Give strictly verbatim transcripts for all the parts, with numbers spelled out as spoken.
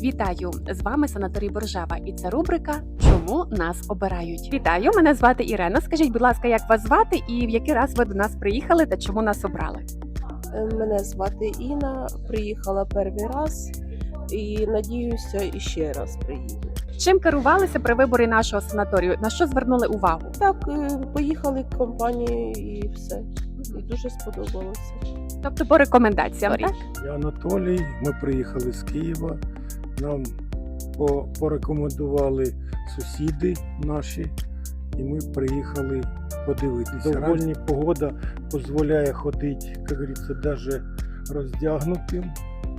Вітаю! З вами санаторій Боржава, і це рубрика «Чому нас обирають?». Вітаю! Мене звати Ірена. Скажіть, будь ласка, як вас звати і в який раз ви до нас приїхали та чому нас обрали? Мене звати Інна, приїхала перший раз і надіюся, іще раз приїду. Чим керувалися при виборі нашого санаторію? На що звернули увагу? Так, е, поїхали компанією і все. І дуже сподобалося. Тобто по рекомендаціям, так? Я Анатолій, ми приїхали з Києва, нам по- порекомендували сусіди наші, і ми приїхали подивитися. Довольні погода дозволяє ходити, як говориться, навіть роздягнутим.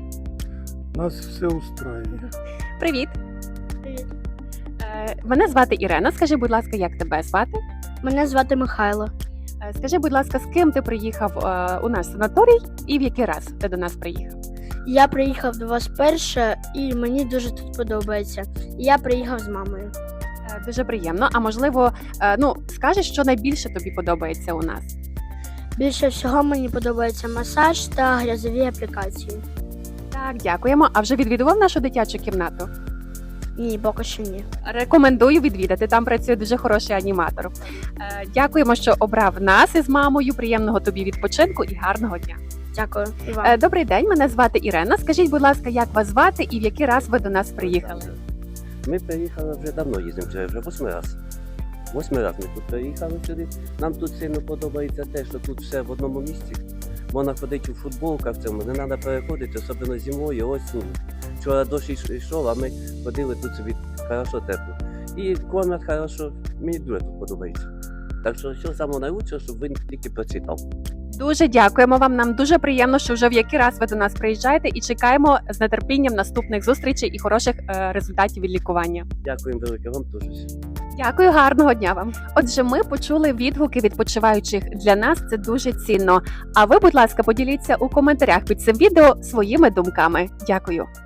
Нас все устраює. Привіт! Привіт. Е, Мене звати Ірена. Скажи, будь ласка, як тебе звати? Мене звати Михайло. Е, Скажи, будь ласка, з ким ти приїхав е, у наш санаторій і в який раз ти до нас приїхав? Я приїхав до вас перше і мені дуже тут подобається. Я приїхав з мамою. Е, Дуже приємно. А можливо, е, ну скажеш, що найбільше тобі подобається у нас? Більше всього мені подобається масаж та грязові аплікації. Так, дякуємо. А вже відвідував нашу дитячу кімнату? Ні, поки що ні. Рекомендую відвідати. Там працює дуже хороший аніматор. Е, Дякуємо, що обрав нас із мамою. Приємного тобі відпочинку і гарного дня. Дякую. І вам. Е, Добрий день, мене звати Ірена. Скажіть, будь ласка, як вас звати і в який раз ви до нас приїхали? Ми приїхали вже давно їздимо, вже, вже восьмий раз. Восьмий раз ми тут приїхали сюди. Нам тут сильно подобається те, що тут все в одному місці. Можна ходити у футболках, в цьому не треба переходити, особливо зимою, осінню. Вчора дощ йш- йшов, а ми ходили тут собі хорошо тепло. І кормять хорошо, мені дуже тут подобається. Так що, що саме найкраще, щоб він тільки прочитав. Дуже дякуємо вам. Нам дуже приємно, що вже в який раз ви до нас приїжджаєте, і чекаємо з нетерпінням наступних зустрічей і хороших е, результатів від лікування. Дякуємо велике, вам теж. Дякую, гарного дня вам. Отже, ми почули відгуки відпочиваючих. Для нас це дуже цінно. А ви, будь ласка, поділіться у коментарях під цим відео своїми думками. Дякую.